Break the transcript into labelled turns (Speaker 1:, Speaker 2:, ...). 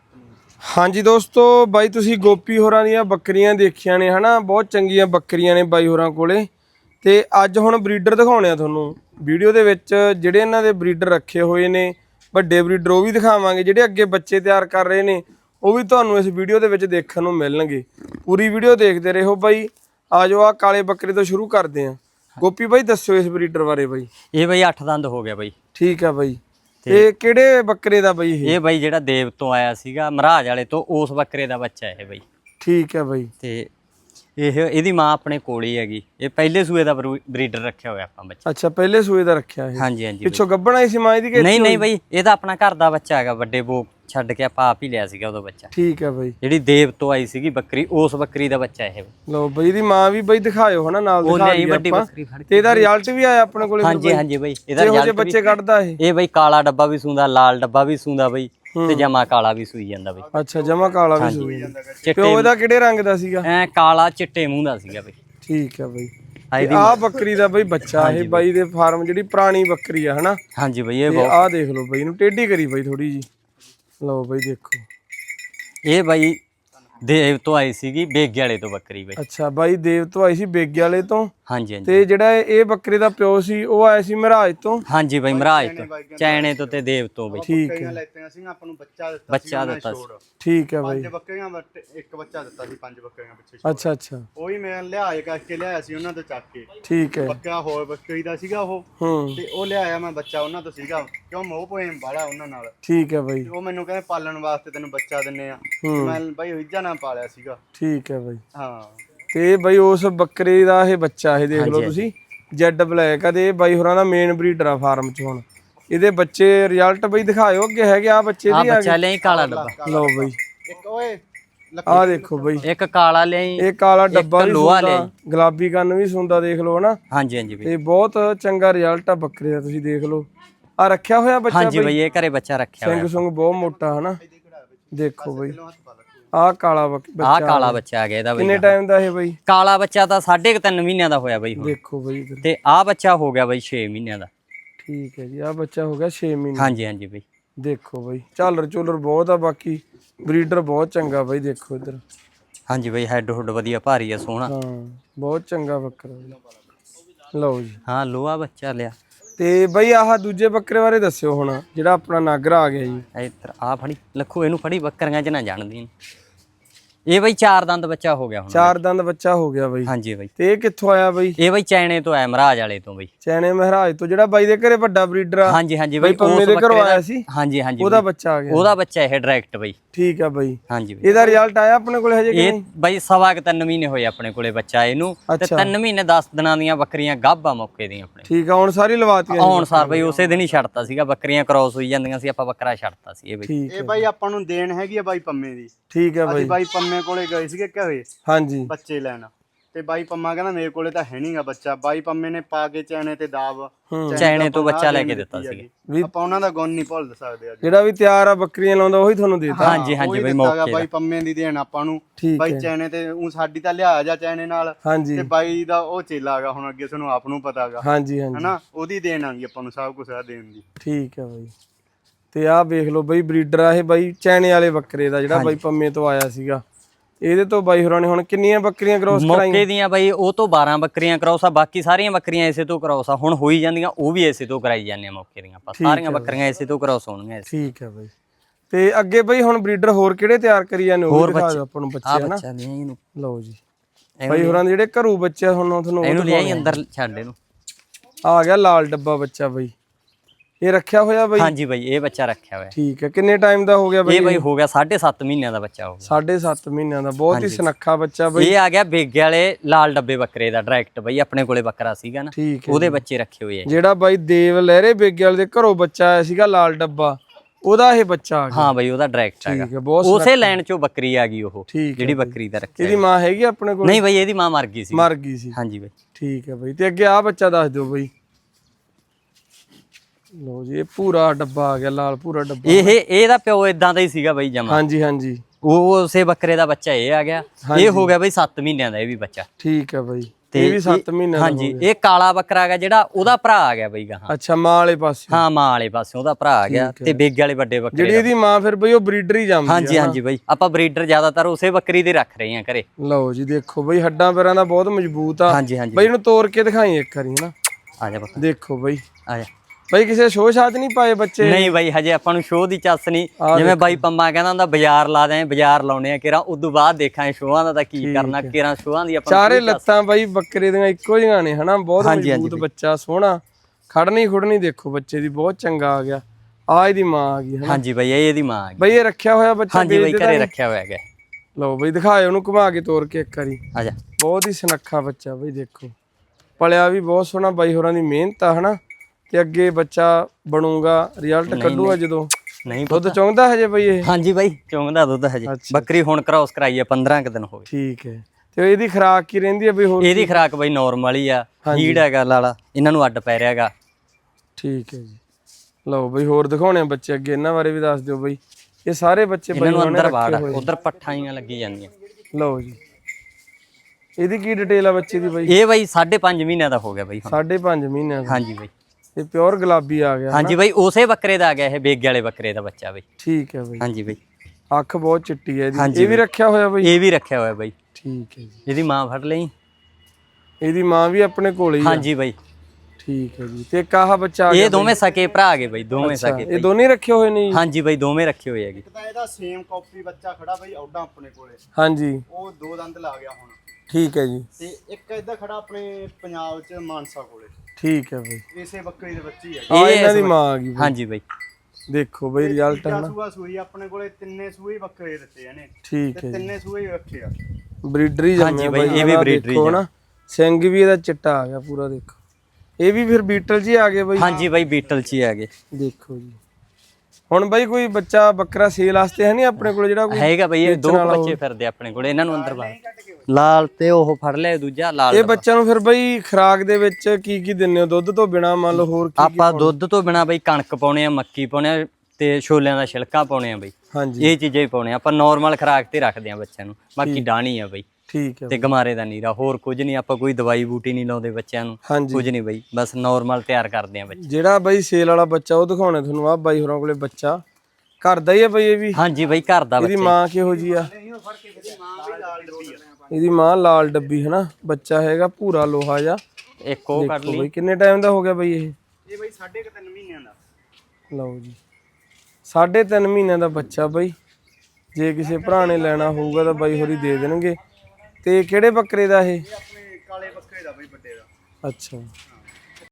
Speaker 1: ਹਾਂਜੀ ਦੋਸਤੋ, ਬਾਈ ਤੁਸੀਂ ਗੋਪੀ ਹੋਰਾਂ ਦੀਆਂ ਬੱਕਰੀਆਂ ਦੇਖੀਆਂ ਨੇ ਹਨਾ, ਬਹੁਤ ਚੰਗੀਆਂ ਬੱਕਰੀਆਂ ਨੇ ਬਾਈ ਹੋਰਾਂ ਕੋਲੇ। ਤੇ ਅੱਜ ਹੁਣ ਬਰੀਡਰ ਦਿਖਾਉਣੇ ਆ ਤੁਹਾਨੂੰ ਵੀਡੀਓ ਦੇ ਵਿੱਚ, ਜਿਹੜੇ ਇਹਨਾਂ ਦੇ ਬਰੀਡਰ ਰੱਖੇ ਹੋਏ ਨੇ ਵੱਡੇ ਬਰੀਡਰ, ਉਹ ਵੀ ਦਿਖਾਵਾਂਗੇ। ਜਿਹੜੇ ਅੱਗੇ ਬੱਚੇ ਤਿਆਰ ਕਰ ਰਹੇ ਨੇ ਉਹ ਵੀ ਤੁਹਾਨੂੰ ਇਸ ਵੀਡੀਓ ਦੇ ਵਿੱਚ ਦੇਖਣ ਨੂੰ ਮਿਲਣਗੇ। ਪੂਰੀ ਵੀਡੀਓ ਦੇਖਦੇ ਰਹੋ ਬਾਈ। ਆਜੋ ਆ ਕਾਲੇ ਬੱਕਰੇ ਤੋਂ ਸ਼ੁਰੂ ਕਰਦੇ ਆਂ। ਗੋਪੀ ਬਾਈ ਦੱਸਿਓ ਇਸ ਬਰੀਡਰ ਬਾਰੇ ਬਾਈ।
Speaker 2: ਇਹ ਬਾਈ 8 ਦੰਦ ਹੋ ਗਿਆ ਬਾਈ।
Speaker 1: ਠੀਕ ਆ ਬਾਈ। ਤੇ ਕਿਹੜੇ ਬੱਕਰੇ ਦਾ ਬਾਈ
Speaker 2: ਇਹ ਬਾਈ ਜਿਹੜਾ ਦੇਵ ਤੋਂ ਆਇਆ ਸੀਗਾ ਮਹਾਰਾਜ ਵਾਲੇ ਤੋਂ, ਉਸ ਬੱਕਰੇ ਦਾ ਬੱਚਾ ਇਹ ਬਾਈ।
Speaker 1: ਠੀਕ ਹੈ ਬਾਈ।
Speaker 2: ਤੇ ਇਹਦੀ ਮਾਂ ਆਪਣੇ ਕੋਲ ਹੀ ਹੈਗੀ। ਇਹ ਪਹਿਲੇ ਸੂਏ ਦਾ ਬਰੀਡਰ ਰੱਖਿਆ ਹੋਇਆ ਆਪਾਂ ਬੱਚਾ।
Speaker 1: ਅੱਛਾ, ਪਹਿਲੇ ਸੂਏ ਦਾ ਰੱਖਿਆ ਇਹ।
Speaker 2: ਹਾਂਜੀ ਹਾਂਜੀ।
Speaker 1: ਪਿੱਛੋਂ ਗੱਭਣ ਆਈ ਸੀ ਮਾਂ ਇਹਦੀ ਕਿ?
Speaker 2: ਨਹੀਂ ਬਾਈ, ਇਹ ਤਾਂ ਆਪਣਾ ਘਰ ਦਾ ਬੱਚਾ ਹੈਗਾ। ਵੱਡੇ ਬੋ ਛੱਡ ਕੇ ਆਪਾਂ ਆਪ ਹੀ ਲਿਆ ਸੀਗਾ ਉਹਦਾ ਬੱਚਾ।
Speaker 1: ਠੀਕ ਹੈ ਬਾਈ।
Speaker 2: ਜਿਹੜੀ ਦੇਵ ਤੋਂ ਆਈ ਸੀਗੀ ਬੱਕਰੀ, ਉਸ ਬੱਕਰੀ ਦਾ ਬੱਚਾ ਇਹ।
Speaker 1: ਲਓ ਬਾਈ, ਇਹਦੀ ਮਾਂ ਵੀ ਬਾਈ ਦਿਖਾਇਓ ਹਨਾ, ਨਾਲ ਦਿਖਾ ਲਈ
Speaker 2: ਵੱਡੀ
Speaker 1: ਆਪਾਂ।
Speaker 2: ਬੱਕਰੀ ਫੜ ਕੇ।
Speaker 1: ਤੇ ਇਹਦਾ ਰਿਜ਼ਲਟ ਵੀ ਆਇਆ ਆਪਣੇ ਕੋਲੇ?
Speaker 2: ਹਾਂਜੀ ਹਾਂਜੀ ਬਾਈ, ਇਹਦਾ
Speaker 1: ਇਹੋ ਜਿਹੇ
Speaker 2: ਰਿਜ਼ਲਟ
Speaker 1: ਬੱਚੇ ਕੱਢਦਾ ਇਹ
Speaker 2: ਬਾਈ। ਕਾਲਾ ਡੱਬਾ ਵੀ ਸੂੰਦਾ, ਲਾਲ ਡੱਬਾ ਵੀ ਸੂੰਦਾ ਬਾਈ, ਤੇ ਜਮਾ ਕਾਲਾ ਵੀ ਸੂਈ ਜਾਂਦਾ ਬਾਈ।
Speaker 1: ਅੱਛਾ, ਜਮਾ ਕਾਲਾ ਵੀ ਸੂਈ ਜਾਂਦਾ।
Speaker 2: ਚਿੱਟੇ
Speaker 1: ਪਿਓ ਇਹਦਾ ਕਿਹੜੇ ਰੰਗ ਦਾ ਸੀਗਾ?
Speaker 2: ਐ ਕਾਲਾ ਚਿੱਟੇ ਮੂੰਹ ਦਾ ਸੀਗਾ ਬਾਈ।
Speaker 1: ਠੀਕ ਹੈ ਬਾਈ। ਆਹ ਬੱਕਰੀ ਦਾ ਬਾਈ ਬੱਚਾ ਇਹ ਬਾਈ ਦੇ ਫਾਰਮ, ਜਿਹੜੀ ਪੁਰਾਣੀ ਬੱਕਰੀ ਆ ਹਨਾ।
Speaker 2: ਹਾਂਜੀ ਬਾਈ। ਇਹ
Speaker 1: ਆਹ ਦੇਖ ਲਓ ਬਾਈ, ਇਹਨੂੰ ਟੇਢੀ ਕਰੀ ਬਾਈ ਥੋੜੀ ਜੀ। ਲਓ ਬਾਈ ਦੇਖੋ,
Speaker 2: ਇਹ ਬਾਈ ਦੇਵ ਤੋਂ ਆਈ ਸੀਗੀ ਬੇਗੇ ਵਾਲੇ ਤੋਂ ਬੱਕਰੀ ਬਾਈ।
Speaker 1: ਅੱਛਾ ਬਾਈ, ਦੇਵ ਤੋਂ ਆਈ ਸੀ ਬੇਗੇ ਵਾਲੇ ਤੋਂ।
Speaker 2: ਹਾਂਜੀ ਹਾਂਜੀ।
Speaker 1: ਤੇ ਜਿਹੜਾ ਇਹ ਬੱਕਰੇ ਦਾ ਪਿਓ ਸੀ ਉਹ ਆਇਆ ਸੀ ਮਹਾਰਾਜ ਤੋਂ।
Speaker 2: ਹਾਂਜੀ ਬਾਈ, ਮਹਾਰਾਜ ਤੋਂ, ਚੈਣੇ ਤੋਂ ਤੇ ਦੇਵ ਤੋਂ ਬਾਈ।
Speaker 1: ਠੀਕ ਹੈ।
Speaker 3: ਲੈਤੀਆਂ ਸੀ ਆਪਾਂ ਨੂੰ ਬੱਚਾ
Speaker 2: ਦਿੱਤਾ ਸੀ।
Speaker 1: ਠੀਕ ਹੈ ਬਾਈ।
Speaker 3: 5 ਬੱਕਰੀਆਂ ਇੱਕ ਬੱਚਾ ਦਿੱਤਾ ਸੀ, 5 ਬੱਕਰੀਆਂ ਪਿੱਛੇ।
Speaker 1: ਅੱਛਾ ਅੱਛਾ।
Speaker 3: ਉਹੀ ਮੈਂ ਲਿਆਏ ਕਰਕੇ ਲਿਆਇਆ ਸੀ ਉਹਨਾਂ ਤੋਂ ਚੱਕ ਕੇ।
Speaker 1: ਠੀਕ ਹੈ।
Speaker 3: ਬੱਕਰਾ ਹੋਰ ਬੱਕਰੀ ਦਾ ਸੀਗਾ ਉਹ, ਤੇ ਉਹ ਲਿਆਇਆ ਮੈਂ ਬੱਚਾ ਉਹਨਾਂ ਤੋਂ ਸੀਗਾ, ਕਿਉਂ ਮੋਹ ਪੋਏਮ ਬਾੜਾ ਉਹਨਾਂ ਨਾਲ।
Speaker 1: ਠੀਕ ਹੈ ਬਾਈ।
Speaker 3: ਉਹ ਮੈਨੂੰ ਕਹਿੰਦੇ ਪਾਲਣ ਵਾਸਤੇ ਤੈਨੂੰ ਬੱਚਾ ਦਿੰਨੇ ਆ, ਮੈਂ ਬਾਈ ਇੱਜਾ ਨਾਲ ਪਾਲਿਆ ਸੀਗਾ।
Speaker 1: ਠੀਕ ਹੈ ਬਾਈ।
Speaker 3: ਹਾਂ।
Speaker 1: ਤੇ ਬਾਈ ਉਸ ਬੱਕਰੇ ਦਾ ਇਹ ਬੱਚਾ, ਇਹ ਦੇਖ ਲਓ ਤੁਸੀਂ, ਜੈਡ ਬਲੈਕ ਆ। ਤੇ ਇਹ ਬਾਈ ਹੋਰਾਂ ਦਾ ਮੇਨ ਬਰੀਡਰ ਆ ਫਾਰਮ ਚ। ਹੁਣ ਇਹਦੇ ਬੱਚੇ ਰਿਜ਼ਲਟ ਬਾਈ ਦਿਖਾਇਓ ਅੱਗੇ ਹੈਗੇ ਆ ਬੱਚੇ ਦੀ।
Speaker 2: ਬੱਚਾ ਲਈ ਕਾਲਾ ਡੱਬਾ।
Speaker 1: ਲਓ ਬਾਈ,
Speaker 3: ਇੱਕ ਓਏ
Speaker 1: ਆਹ ਦੇਖੋ ਬਾਈ,
Speaker 2: ਇੱਕ ਕਾਲਾ ਲਈ,
Speaker 1: ਇਹ ਕਾਲਾ ਡੱਬਾ ਵੀ
Speaker 2: ਲੋਹਾ
Speaker 1: ਸੁੰਦਾ,
Speaker 2: ਲਈ,
Speaker 1: ਗੁਲਾਬੀ ਕੰਨ ਵੀ ਸੁੰਦਾ, ਦੇਖ ਲਓ ਹਨਾ।
Speaker 2: ਹਾਂਜੀ ਹਾਂਜੀ ਬਾਈ।
Speaker 1: ਤੇ ਬਹੁਤ ਚੰਗਾ ਰਿਜ਼ਲਟ ਆ ਬੱਕਰੇ ਦਾ, ਤੁਸੀਂ ਦੇਖ ਲਓ। ਆ ਰੱਖਿਆ ਹੋਇਆ ਬੱਚਾ
Speaker 2: ਹਾਂਜੀ ਬਾਈ, ਇਹ ਘਰੇ ਬੱਚਾ ਰੱਖਿਆ ਹੋਇਆ।
Speaker 1: ਸਿੰਘ ਸੁੰਗ ਬਹੁਤ ਮੋਟਾ ਹਨਾ। ਦੇਖੋ ਬਾਈ, ਆਹ ਕਾਲਾ ਬੱਚਾ,
Speaker 2: ਆਹ ਕਾਲਾ ਬੱਚਾ ਆ ਗਿਆ ਇਹਦਾ ਬਾਈ।
Speaker 1: ਕਿੰਨੇ ਟਾਈਮ ਦਾ ਇਹ ਬਾਈ?
Speaker 2: ਕਾਲਾ ਬੱਚਾ ਤਾਂ 3.5 ਮਹੀਨਿਆਂ ਦਾ ਹੋਇਆ ਬਾਈ ਹੁਣ।
Speaker 1: ਦੇਖੋ ਬਾਈ ਇੱਧਰ।
Speaker 2: ਤੇ ਆਹ ਬੱਚਾ ਹੋ ਗਿਆ ਬਾਈ 6 ਮਹੀਨਿਆਂ ਦਾ।
Speaker 1: ਠੀਕ ਹੈ ਜੀ, ਆਹ ਬੱਚਾ ਹੋ ਗਿਆ 6 ਮਹੀਨੇ।
Speaker 2: ਹਾਂਜੀ ਹਾਂਜੀ ਬਾਈ।
Speaker 1: ਦੇਖੋ ਬਾਈ, ਝਾਲਰ ਝੂਲਰ ਬਹੁਤ ਆ, ਬਾਕੀ ਬਰੀਡਰ ਬਹੁਤ ਚੰਗਾ ਬਾਈ। ਦੇਖੋ ਇੱਧਰ।
Speaker 2: ਹਾਂਜੀ ਬਾਈ, ਹੈਡ ਹੁੱਡ ਵਧੀਆ, ਭਾਰੀ ਆ, ਸੋਹਣਾ।
Speaker 1: ਹਾਂ, ਬਹੁਤ ਚੰਗਾ ਬੱਕਰਾ ਬਾਈ। ਲਓ ਜੀ।
Speaker 2: ਹਾਂ, ਲੋਹਾ ਬੱਚਾ ਲਿਆ।
Speaker 1: ਤੇ ਬਾਈ ਆਹ ਦੂਜੇ ਬੱਕਰੇ ਬਾਰੇ ਦੱਸਿਓ ਹੁਣ, ਜਿਹੜਾ ਆਪਣਾ ਨਾਗਰਾ ਆ ਗਿਆ ਜੀ।
Speaker 2: ਇੱਧਰ ਆ ਫੜੀ, ਲੱਖੋ ਇਹਨੂੰ ਫੜੀ, ਬੱਕਰੀਆਂ ਚ ਨਾ ਜਾਣਦੀ। ਇਹ ਬਾਈ 4 ਦੰਦ ਬੱਚਾ ਹੋ ਗਿਆ ਹੁਣ।
Speaker 1: 4 ਦੰਦ ਬੱਚਾ ਹੋ ਗਿਆ ਬਾਈ।
Speaker 2: ਹਾਂਜੀ ਬਾਈ।
Speaker 1: ਤੇ ਇਹ ਕਿੱਥੋਂ ਆਇਆ ਬਾਈ?
Speaker 2: ਇਹ ਬਾਈ ਚੈਣੇ ਤੋਂ ਆਇਆ, ਮਹਾਰਾਜ ਵਾਲੇ ਤੋਂ ਬਾਈ।
Speaker 1: ਚੈਣੇ ਮਹਾਰਾਜ ਤੋਂ, ਜਿਹੜਾ ਬਾਈ ਦੇ ਘਰੇ ਵੱਡਾ ਬਰੀਡਰ ਆ।
Speaker 2: ਹਾਂਜੀ ਹਾਂਜੀ
Speaker 1: ਬਾਈ, ਪੰਮੇ ਦੇ ਘਰੋਂ ਆਇਆ ਸੀ।
Speaker 2: ਹਾਂਜੀ ਹਾਂਜੀ,
Speaker 1: ਉਹਦਾ ਬੱਚਾ ਆ ਗਿਆ।
Speaker 2: ਉਹਦਾ ਬੱਚਾ ਇਹ ਡਾਇਰੈਕਟ ਬਾਈ।
Speaker 1: ਠੀਕ ਆ ਬਾਈ।
Speaker 2: ਹਾਂਜੀ ਬਾਈ।
Speaker 1: ਇਹਦਾ ਰਿਜ਼ਲਟ ਆਇਆ ਆਪਣੇ ਕੋਲ ਹਜੇ ਕਿ
Speaker 2: ਇਹ
Speaker 1: ਨਹੀਂ?
Speaker 2: ਬਾਈ 3.25 ਮਹੀਨੇ ਹੋਏ ਆਪਣੇ ਕੋਲੇ ਬੱਚਾ ਇਹਨੂੰ, ਤੇ 3 ਮਹੀਨੇ 10 ਦਿਨਾਂ ਦੀਆਂ ਬੱਕਰੀਆਂ ਗੱਭ ਆ ਮੌਕੇ ਦੀਆਂ ਆਪਣੇ।
Speaker 1: ਠੀਕ ਆ, ਹੁਣ ਸਾਰੀ ਲਵਾਤੀਆਂ?
Speaker 2: ਹੁਣ ਸਾਰ ਬਾਈ ਉਸੇ ਦਿਨ ਹੀ ਛੱਡਤਾ ਸੀਗਾ, ਬੱਕਰੀਆਂ ਕ੍ਰੋਸ ਹੋਈ ਜਾਂਦੀਆਂ ਸੀ, ਆਪਾਂ ਬੱਕਰਾ ਛੱਡਤਾ ਸੀ ਇਹ ਬਾਈ।
Speaker 1: ਠੀਕ
Speaker 3: ਇਹ ਬਾਈ ਆਪਾਂ ਨੂੰ ਦੇਣ ਹੈਗੀ ਆ ਬਾਈ ਪੰਮੇ ਦੀ।
Speaker 1: ਠੀਕ ਹੈ ਬਾਈ।
Speaker 3: ਅਸੀਂ ਬਾਈ ਪੰਮੇ ਕੋਲੇ ਗਏ ਸੀਗੇ ਘਰੇ
Speaker 1: ਹਾਂਜੀ,
Speaker 3: ਬੱਚੇ ਲੈਣ, ਤੇ ਬਾਈ ਪੰਮਾ ਕਹਿੰਦਾ ਮੇਰੇ ਕੋਲੇ ਤਾਂ ਹੈ ਨਹੀਂਗਾ ਬੱਚਾ। ਬਾਈ ਪੰਮੇ ਨੇ ਪਾ ਕੇ ਚੈਣੇ ਤੇ ਦਾਬ,
Speaker 2: ਚੈਣੇ ਤੋਂ ਬੱਚਾ ਲੈ ਕੇ ਦਿੱਤਾ ਸੀਗਾ।
Speaker 3: ਆਪਾਂ ਉਹਨਾਂ ਦਾ ਗੁਣ ਨਹੀਂ ਭੁੱਲ ਸਕਦੇ।
Speaker 1: ਜਿਹੜਾ ਵੀ ਤਿਆਰ ਆ ਬੱਕਰੀਆਂ ਲਾਉਂਦਾ ਉਹੀ ਤੁਹਾਨੂੰ ਦੇਤਾ?
Speaker 2: ਹਾਂਜੀ ਹਾਂਜੀ ਬਾਈ, ਮੌਕੇ
Speaker 3: ਬਾਈ ਪੰਮੇ ਦੀ ਦੇਣ ਆਪਾਂ ਨੂੰ।
Speaker 1: ਠੀਕ
Speaker 3: ਬਾਈ ਚੈਣੇ ਤੇ ਉਹ ਸਾਡੀ ਤਾਂ ਲਿਆ ਜਾ ਚੈਣੇ ਨਾਲ,
Speaker 1: ਹਾਂਜੀ
Speaker 3: ਤੇ ਬਾਈ ਦਾ ਉਹ ਚੇਲਾ ਹੈਗਾ ਹੁਣ ਅੱਗੇ ਸਾਨੂੰ ਆਪ ਨੂੰ ਪਤਾਗਾ।
Speaker 1: ਹਾਂਜੀ ਹਾਂਜੀ,
Speaker 3: ਹਨਾ, ਉਹਦੀ ਦੇਣ ਆਂਗੀ ਆਪਾਂ ਨੂੰ ਸਭ ਕੁਝ ਆ ਦੇਣ ਦੀ।
Speaker 1: ਠੀਕ ਹੈ ਬਾਈ। ਤੇ ਆਹ ਵੇਖ ਲਓ ਬਾਈ, ਬਰੀਡਰ ਆ ਇਹ ਬਾਈ ਚੈਣੇ ਵਾਲੇ ਬੱਕਰੇ ਦਾ, ਜਿਹੜਾ ਬਾਈ ਪੰਮੇ ਤੋਂ ਆਇਆ ਸੀਗਾ। ਇਹਦੇ ਤੋਂ ਬਾਈ ਹੋਰਾਂ ਨੇ ਹੁਣ ਕਿੰਨੀਆਂ ਬੱਕਰੀਆਂ ਕ੍ਰੋਸ ਕਰਾਈਆਂ?
Speaker 2: ਮੌਕੇ ਦੀਆਂ ਬਾਈ ਉਹ ਤੋਂ 12 ਬੱਕਰੀਆਂ ਕ੍ਰੋਸ ਆ, ਬਾਕੀ ਸਾਰੀਆਂ ਬੱਕਰੀਆਂ ਇਸੇ ਤੋਂ ਕ੍ਰੋਸ ਆ। ਹੁਣ ਹੋਈ ਜਾਂਦੀਆਂ, ਉਹ ਵੀ ਇਸੇ ਤੋਂ ਕਰਾਈ ਜਾਂਦੇ ਆ ਮੌਕੇ ਦੀਆਂ। ਆਪਾਂ ਸਾਰੀਆਂ ਬੱਕਰੀਆਂ ਇਸੇ ਤੋਂ ਕ੍ਰੋਸ ਹੋਣਗੀਆਂ।
Speaker 1: ਠੀਕ ਹੈ ਬਾਈ। ਤੇ ਅੱਗੇ ਬਾਈ ਹੁਣ ਬਰੀਡਰ ਹੋਰ ਕਿਹੜੇ ਤਿਆਰ ਕਰੀ ਜਾਂਦੇ ਹੋ? ਹੋਰ ਦਿਖਾ ਦਿਓ ਆਪਾਂ ਨੂੰ ਬੱਚੇ ਹਨਾ।
Speaker 2: ਬੱਚਾ ਲਿਆ ਇਹਨੂੰ।
Speaker 1: ਲਓ ਜੀ ਬਾਈ ਹੋਰਾਂ ਦੇ ਜਿਹੜੇ ਘਰੂ ਬੱਚੇ ਹੁਣ ਤੁਹਾਨੂੰ
Speaker 2: ਇਹਨੂੰ ਲਿਆ ਹੀ ਅੰਦਰ ਛੱਡ ਇਹਨੂੰ।
Speaker 1: ਆ ਗਿਆ ਲਾਲ ਡੱਬਾ ਬੱਚਾ ਬਾਈ, ਇਹ ਰੱਖਿਆ ਹੋਇਆ ਬਾਈ?
Speaker 2: ਹਾਂਜੀ ਬਾਈ, ਇਹ ਬੱਚਾ ਰੱਖਿਆ ਹੋਇਆ।
Speaker 1: ਠੀਕ ਹੈ। ਕਿੰਨੇ ਟਾਈਮ ਦਾ ਹੋ ਗਿਆ ਬਾਈ?
Speaker 2: ਇਹ ਬਾਈ ਹੋ ਗਿਆ 7.5 ਮਹੀਨਿਆਂ ਦਾ ਬੱਚਾ ਹੋ ਗਿਆ।
Speaker 1: 7.5 ਮਹੀਨਿਆਂ ਦਾ, ਬਹੁਤ ਹੀ ਸੁਨੱਖਾ ਬੱਚਾ ਬਾਈ।
Speaker 2: ਇਹ ਆ ਗਿਆ ਬੇਗੇ ਵਾਲੇ ਲਾਲ ਡੱਬੇ ਬੱਕਰੇ ਦਾ ਡਾਇਰੈਕਟ ਬਾਈ, ਆਪਣੇ ਕੋਲੇ ਬੱਕਰਾ ਸੀਗਾ ਨਾ,
Speaker 1: ਠੀਕ ਹੈ।
Speaker 2: ਉਹਦੇ ਬੱਚੇ ਰੱਖੇ ਹੋਏ ਆ।
Speaker 1: ਜਿਹੜਾ ਬਾਈ ਦੇਵ ਲਹਿਰੇ ਬੇਗੇ ਵਾਲੇ ਦੇ ਘਰੋਂ ਬੱਚਾ ਆਇਆ ਸੀਗਾ ਲਾਲ ਡੱਬਾ, ਉਹਦਾ ਇਹ ਬੱਚਾ ਆ ਗਿਆ?
Speaker 2: ਹਾਂ ਬਾਈ, ਉਹਦਾ ਡਾਇਰੈਕਟ ਹੈਗਾ।
Speaker 1: ਠੀਕ ਹੈ, ਬਹੁਤ
Speaker 2: ਉਸੇ ਲਾਈਨ ਚੋਂ ਬੱਕਰੀ ਆ ਗਈ ਉਹ, ਜਿਹੜੀ ਬੱਕਰੀ ਦਾ ਰੱਖਿਆ।
Speaker 1: ਇਹਦੀ ਮਾਂ ਹੈਗੀ ਆਪਣੇ ਕੋਲ?
Speaker 2: ਨਹੀਂ ਬਾਈ, ਇਹਦੀ ਮਾਂ ਮਰ ਗਈ ਸੀ।
Speaker 1: ਮਰ ਗਈ ਸੀ?
Speaker 2: ਹਾਂਜੀ ਬਾਈ।
Speaker 1: ਠੀਕ ਹੈ ਬਾਈ। ਤੇ ਅੱਗੇ ਆ ਬੱਚਾ ਦੱਸ ਦਿਓ ਬਾਈ। ਲੋ ਜੀ, ਇਹ ਪੂਰਾ ਡੱਬਾ ਆ ਗਿਆ, ਲਾਲ ਪੂਰਾ ਡੱਬਾ।
Speaker 2: ਇਹਦਾ ਪਿਓ ਇਦਾਂ ਦਾ ਹੀ ਸੀਗਾ ਬਾਈ ਜਮਾ।
Speaker 1: ਹਾਂਜੀ ਹਾਂਜੀ,
Speaker 2: ਉਹ ਉਸੇ ਬੱਕਰੇ ਦਾ ਬੱਚਾ ਇਹ ਆ ਗਿਆ। ਇਹ ਹੋ ਗਿਆ ਬਾਈ 7 ਮਹੀਨਿਆਂ ਦਾ ਇਹ ਵੀ ਬੱਚਾ।
Speaker 1: ਠੀਕ ਹੈ ਬਾਈ।
Speaker 2: ਤੇ
Speaker 1: ਇਹ ਵੀ 7 ਮਹੀਨੇ ਦਾ
Speaker 2: ਹਾਂਜੀ ਇਹ ਕਾਲਾ ਬੱਕਰਾ ਹੈਗਾ ਜਿਹੜਾ ਉਹਦਾ ਭਰਾ ਆ ਗਿਆ ਬਈ ਗਾਹਾਂ।
Speaker 1: ਅੱਛਾ ਮਾਂ ਵਾਲੇ ਪਾਸੇ।
Speaker 2: ਹਾਂ ਮਾਂ ਵਾਲੇ ਪਾਸੇ ਉਹਦਾ ਭਰਾ ਆ ਗਿਆ ਤੇ ਬੇਗੇ ਵਾਲੇ ਵੱਡੇ ਬੱਕਰੇ
Speaker 1: ਜਿਹੜੀ ਇਹਦੀ ਮਾਂ ਫਿਰ ਬਈ ਉਹ ਬਰੀਡਰ ਹੀ ਜਾਂਦੀ
Speaker 2: ਹਾਂਜੀ ਹਾਂਜੀ ਬਈ ਆਪਾਂ ਬਰੀਡਰ ਜ਼ਿਆਦਾਤਰ ਉਸੇ ਬੱਕਰੀ ਦੇ ਰੱਖ ਰਹੇ ਹਾਂ ਘਰੇ।
Speaker 1: ਲਓ ਜੀ ਦੇਖੋ ਬਈ ਹੱਡਾਂ ਪੈਰਾਂ ਦਾ ਬਹੁਤ ਮਜ਼ਬੂਤ ਆ
Speaker 2: ਹਾਂਜੀ ਹਾਂਜੀ
Speaker 1: ਬਈ ਇਹਨੂੰ ਤੋੜ ਕੇ ਦਿਖਾਈ ਇੱਕ ਵਾਰੀ ਹਨਾ।
Speaker 2: ਆ ਜਾ ਬੱਕਰਾ
Speaker 1: ਦੇਖੋ ਬਈ
Speaker 2: ਆ ਜਾ।
Speaker 1: ਬਈ ਕਿਸੇ ਸ਼ੋਅ ਸ਼ਾਤ ਨਹੀਂ ਪਾਏ ਬੱਚੇ?
Speaker 2: ਨਹੀਂ ਬਾਈ ਹਜੇ ਆਪਾਂ ਨੂੰ ਸ਼ੋਅ ਦੀ ਚੱਸ ਨਹੀਂ। ਜਿਵੇਂ ਬਾਈ ਪੰਮਾ ਕਹਿੰਦਾ ਹੁੰਦਾ ਬਾਜ਼ਾਰ ਲਾ ਦੇ, ਬਾਜ਼ਾਰ ਲਾਉਣੇ ਆ ਕਿਰਾਂ ਉਦੋਂ ਬਾਅਦ ਦੇਖਾਂਗੇ ਸ਼ੋਆਂ ਦਾ ਤਾਂ ਕੀ ਕਰਨਾ ਕਿਰਾਂ ਸ਼ੋਆਂ ਦੀ ਆਪਾਂ
Speaker 1: ਚਾਰੇ ਲੱਤਾਂ ਬਾਈ ਬੱਕਰੇ ਦੀਆਂ ਇੱਕੋ ਜਿਹੀਆਂ ਨੇ ਹਨਾ। ਬਹੁਤ ਮਜ਼ਬੂਤ ਬੱਚਾ ਸੋਹਣਾ ਖੜਨੀ ਖੁੜਨੀ ਦੇਖੋ ਬੱਚੇ ਦੀ ਬਹੁਤ ਚੰਗਾ ਆ ਗਿਆ। ਆ ਇਹਦੀ ਮਾਂ ਆ ਗਈ ਹਨਾ।
Speaker 2: ਹਾਂਜੀ ਬਾਈ ਇਹ ਇਹਦੀ ਮਾਂ ਆ ਗਈ।
Speaker 1: ਬਈ ਇਹ ਰੱਖਿਆ ਹੋਇਆ ਬੱਚਾ?
Speaker 2: ਹਾਂਜੀ ਬਾਈ ਘਰੇ ਰੱਖਿਆ ਹੋਇਆ ਹੈਗਾ।
Speaker 1: ਲਓ ਬਈ ਦਿਖਾਏ ਉਹਨੂੰ ਘੁਮਾ ਕੇ ਤੋਰ ਕੇ ਇੱਕ ਵਾਰੀ।
Speaker 2: ਆ ਜਾ।
Speaker 1: ਬਹੁਤ ਹੀ ਸੁਨੱਖਾ ਬੱਚਾ ਬਈ ਦੇਖੋ ਪਲਿਆ ਵੀ ਬਹੁਤ ਸੋਹਣਾ ਬਾਈ ਹੋਰਾਂ ਦੀ ਮਿਹਨਤ ਆ ਹਨਾ। ਤੇ ਅੱਗੇ ਬੱਚਾ ਬਣੂਗਾ ਰਿਜ਼ਲਟ ਕੱਢੂਗਾ ਜਦੋਂ।
Speaker 2: ਨਹੀਂ
Speaker 1: ਦੁੱਧ ਚੋਂਦਾ ਹਜੇ ਬਈ ਇਹ?
Speaker 2: ਹਾਂਜੀ ਬਾਈ ਚੋਂਦਾ ਦੁੱਧ ਹਜੇ। ਬੱਕਰੀ ਹੁਣ ਕ੍ਰਾਸ ਕਰਾਈ ਆ 15 ਕੁ ਦਿਨ ਹੋ ਗਏ।
Speaker 1: ਠੀਕ ਹੈ ਤੇ ਇਹਦੀ ਖੁਰਾਕ ਕੀ ਰਹਿੰਦੀ ਹੈ ਬਈ ਹੋਰ?
Speaker 2: ਇਹਦੀ ਖੁਰਾਕ ਬਾਈ ਨਾਰਮਲ ਹੀ ਆ। ਹੀੜ ਹੈਗਾ ਲਾਲਾ ਇਹਨਾਂ ਨੂੰ ਅੱਡ ਪੈ ਰਿਹਾਗਾ।
Speaker 1: ਠੀਕ ਹੈ ਜੀ। ਲਓ ਬਈ ਹੋਰ ਦਿਖਾਉਣੇ ਬੱਚੇ ਅੱਗੇ ਇਹਨਾਂ ਬਾਰੇ ਵੀ ਦੱਸ ਦਿਓ ਬਈ। ਇਹ ਸਾਰੇ ਬੱਚੇ
Speaker 2: ਇਹਨਾਂ ਨੂੰ ਅੰਦਰ ਵਾੜ ਉਧਰ ਪੱਠਾਂ ਲੱਗੀ ਜਾਂਦੀਆਂ।
Speaker 1: ਲਓ ਜੀ ਇਹਦੀ ਕੀ ਡਿਟੇਲ ਆ ਬੱਚੇ ਦੀ ਬਈ?
Speaker 2: ਇਹ ਬਾਈ 5.5 ਮਹੀਨਿਆਂ ਦਾ ਹੋ ਗਿਆ ਬਾਈ ਹੁਣ।
Speaker 1: 5.5 ਮਹੀਨਿਆਂ ਦਾ?
Speaker 2: ਹਾਂਜੀ ਬਾਈ
Speaker 1: ਇਹ ਪਿਓਰ ਗੁਲਾਬੀ ਆ ਗਿਆ?
Speaker 2: ਹਾਂਜੀ ਬਾਈ ਉਸੇ ਬੱਕਰੇ ਦਾ ਆ ਗਿਆ ਇਹ ਬੇਗੇ ਵਾਲੇ ਬੱਕਰੇ ਦਾ ਬੱਚਾ ਬਾਈ।
Speaker 1: ਠੀਕ ਹੈ ਬਈ।
Speaker 2: ਹਾਂਜੀ ਬਾਈ
Speaker 1: ਅੱਖ ਬਹੁਤ ਚਿੱਟੀ ਹੈ ਇਹਦੀ। ਇਹ ਵੀ ਰੱਖਿਆ ਹੋਇਆ ਬਈ?
Speaker 2: ਇਹ ਵੀ ਰੱਖਿਆ ਹੋਇਆ ਬਾਈ।
Speaker 1: ਠੀਕ ਹੈ ਜੀ।
Speaker 2: ਇਹਦੀ ਮਾਂ ਫੜ ਲਈ।
Speaker 1: ਇਹਦੀ ਮਾਂ ਵੀ ਆਪਣੇ ਕੋਲ ਹੀ?
Speaker 2: ਹਾਂਜੀ ਬਾਈ।
Speaker 1: ਠੀਕ ਹੈ ਜੀ। ਤੇ ਕਾਹਾ ਬੱਚਾ ਆ ਗਿਆ?
Speaker 2: ਇਹ ਦੋਵੇਂ ਸਕੇ ਭਰਾ ਗਏ ਬਾਈ ਦੋਵੇਂ ਸਕੇ।
Speaker 1: ਇਹ ਦੋਨੇ ਰੱਖੇ ਹੋਏ ਨੇ ਜੀ?
Speaker 2: ਹਾਂਜੀ ਬਾਈ ਦੋਵੇਂ ਰੱਖੇ ਹੋਏ ਹੈਗੇ।
Speaker 3: ਇੱਕ ਤਾਂ ਇਹਦਾ ਸੇਮ ਕਾਪੀ ਬੱਚਾ ਖੜਾ ਬਈ ਔਡਾ ਆਪਣੇ ਕੋਲੇ।
Speaker 1: ਹਾਂਜੀ
Speaker 3: ਉਹ 2 ਦੰਦ ਲਾ ਗਿਆ ਹੁਣ।
Speaker 1: ਠੀਕ ਹੈ ਜੀ।
Speaker 3: ਤੇ ਇੱਕ ਇੱਧਰ ਖੜਾ ਆਪਣੇ ਪੰਜਾਬ 'ਚ ਮਾਨਸਾ ਕੋਲੇ।
Speaker 1: ਠੀਕ ਹੈ ਬਈ।
Speaker 3: ਇਸੇ ਬੱਕਰੀ ਦੇ ਬੱਚੀ ਹੈ।
Speaker 1: ਆ ਇਹਨਾਂ ਦੀ ਮਾਂ ਆ ਗਈ ਬਈ।
Speaker 2: ਹਾਂਜੀ ਬਾਈ
Speaker 1: ਦੇਖੋ ਬਈ ਰਿਜ਼ਲਟ ਹੈ ਨਾ।
Speaker 3: ਸੂਆ ਸੂਈ ਆਪਣੇ ਕੋਲੇ ਤਿੰਨੇ ਸੂਏ ਬੱਕਰੇ ਦਿੱਤੇ ਇਹਨੇ।
Speaker 1: ਠੀਕ ਹੈ
Speaker 3: ਤੇ ਤਿੰਨੇ ਸੂਏ ਰੱਖੇ ਆ।
Speaker 1: ਬਰੀਡਰ ਹੀ ਜੰਮਿਆ
Speaker 2: ਬਾਈ ਇਹ ਵੀ ਬਰੀਡਰ ਹੀ
Speaker 1: ਨਾ। ਸਿੰਘ ਵੀ ਇਹਦਾ ਚਿੱਟਾ ਆ ਗਿਆ ਪੂਰਾ ਦੇਖੋ। ਇਹ ਵੀ ਫਿਰ ਬੀਟਲ ਜੀ ਆ ਗਏ ਬਈ?
Speaker 2: ਹਾਂਜੀ ਬਾਈ ਬੀਟਲ ਚ ਹੀ ਆ ਗਏ।
Speaker 1: ਦੇਖੋ ਜੀ ਹੁਣ ਬਾਈ ਕੋਈ ਬੱਚਾ ਬੱਕਰਾ ਸੇਲ ਵਾਸਤੇ ਹੈ ਨਹੀਂ ਆਪਣੇ ਕੋਲ ਜਿਹੜਾ ਕੋਈ
Speaker 2: ਹੈਗਾ ਬਈ? ਇਹ 2 ਬੱਚੇ ਫਿਰਦੇ ਆਪਣੇ ਕੋਲ। ਇਹਨਾਂ ਨੂੰ ਅੰਦਰ ਬਾਹਰ ਲਾਲ ਤੇ ਉਹ ਫੜ ਲਿਆ ਦੂਜਾ ਲਾਲ।
Speaker 1: ਇਹ ਬੱਚਿਆਂ ਨੂੰ ਫਿਰ ਬਈ ਖੁਰਾਕ ਦੇ ਵਿੱਚ ਕੀ ਕੀ ਦਿੰਦੇ ਹੋ ਦੁੱਧ ਤੋਂ ਬਿਨਾ? ਮੰਨ ਲਓ ਹੋਰ ਕੀ?
Speaker 2: ਆਪਾਂ ਦੁੱਧ ਤੋਂ ਬਿਨਾ ਬਈ ਕਣਕ ਪਾਉਣੇ ਆ, ਮੱਕੀ ਪਾਉਣੇ ਆ ਤੇ ਛੋਲਿਆਂ ਦਾ ਛਿਲਕਾ ਪਾਉਣੇ ਆ ਬਈ।
Speaker 1: ਹਾਂਜੀ
Speaker 2: ਇਹ ਚੀਜ਼ਾਂ ਹੀ ਪਾਉਣੇ ਆ ਆਪਾਂ। ਨਾਰਮਲ ਖੁਰਾਕ ਤੇ ਰੱਖਦੇ ਆ ਬੱਚਿਆਂ ਨੂੰ। ਬਾਕੀ ਡਾਣੀ ਆ ਬਈ
Speaker 1: ਠੀਕ ਹੈ
Speaker 2: ਤੇ ਗਮਾਰੇ ਦਾ ਨੀਰਾ। ਹੋਰ ਕੁਝ ਨਹੀਂ। ਆਪਾਂ ਕੋਈ ਦਵਾਈ ਬੂਟੀ ਨਹੀਂ ਲਾਉਂਦੇ ਬੱਚਿਆਂ ਨੂੰ।
Speaker 1: ਹਾਂਜੀ
Speaker 2: ਕੁਝ ਨਹੀਂ ਬਈ ਬਸ ਨਾਰਮਲ ਤਿਆਰ ਕਰਦੇ ਆ ਬੱਚੇ।
Speaker 1: ਜਿਹੜਾ ਬਈ ਸੇਲ ਵਾਲਾ ਬੱਚਾ ਉਹ ਦਿਖਾਉਣੇ ਤੁਹਾਨੂੰ ਆ ਬਾਈ ਹੋਰਾਂ ਕੋਲੇ ਬੱਚਾ ਘਰ ਦਾ ਹੀ ਹੈ ਬਈ ਇਹ ਵੀ?
Speaker 2: ਹਾਂਜੀ ਬਈ ਘਰ ਦਾ
Speaker 1: ਇਹਦੀ
Speaker 2: ਬੱਚਾ।
Speaker 1: ਮਾਂ ਕਿਹੋ ਜੀ ਆ? ਇਹਦੀ ਮਾਂ ਲਾਲ ਡੱਬੀ ਹੈ ਨਾ। ਬੱਚਾ ਹੈਗਾ ਭੂਰਾ ਲੋਹਾ ਜਾ।
Speaker 2: ਇੱਕ ਉਹ ਕੱਢ ਲਈ
Speaker 1: ਬਈ ਕਿੰਨੇ ਟਾਈਮ ਦਾ ਹੋ ਗਿਆ ਬਈ ਇਹ?
Speaker 3: ਇਹ ਬਈ 3.5 ਮਹੀਨਿਆਂ ਦਾ।
Speaker 1: ਲਓ ਜੀ 3.5 ਮਹੀਨਿਆਂ ਦਾ ਬੱਚਾ ਬਈ। ਜੇ ਕਿਸੇ ਭਰਾ ਨੇ ਲੈਣਾ ਹੋਊਗਾ ਤਾਂ ਬਾਈ ਹੋਰੀ ਦੇ ਦੇਣਗੇ। ਤੇ ਕਿਹੜੇ ਬੱਕਰੇ ਦਾ ਇਹ?
Speaker 3: ਆਪਣੇ ਕਾਲੇ ਬੱਕਰੇ ਦਾ ਬਈ ਵੱਡੇ ਦਾ।
Speaker 1: ਅੱਛਾ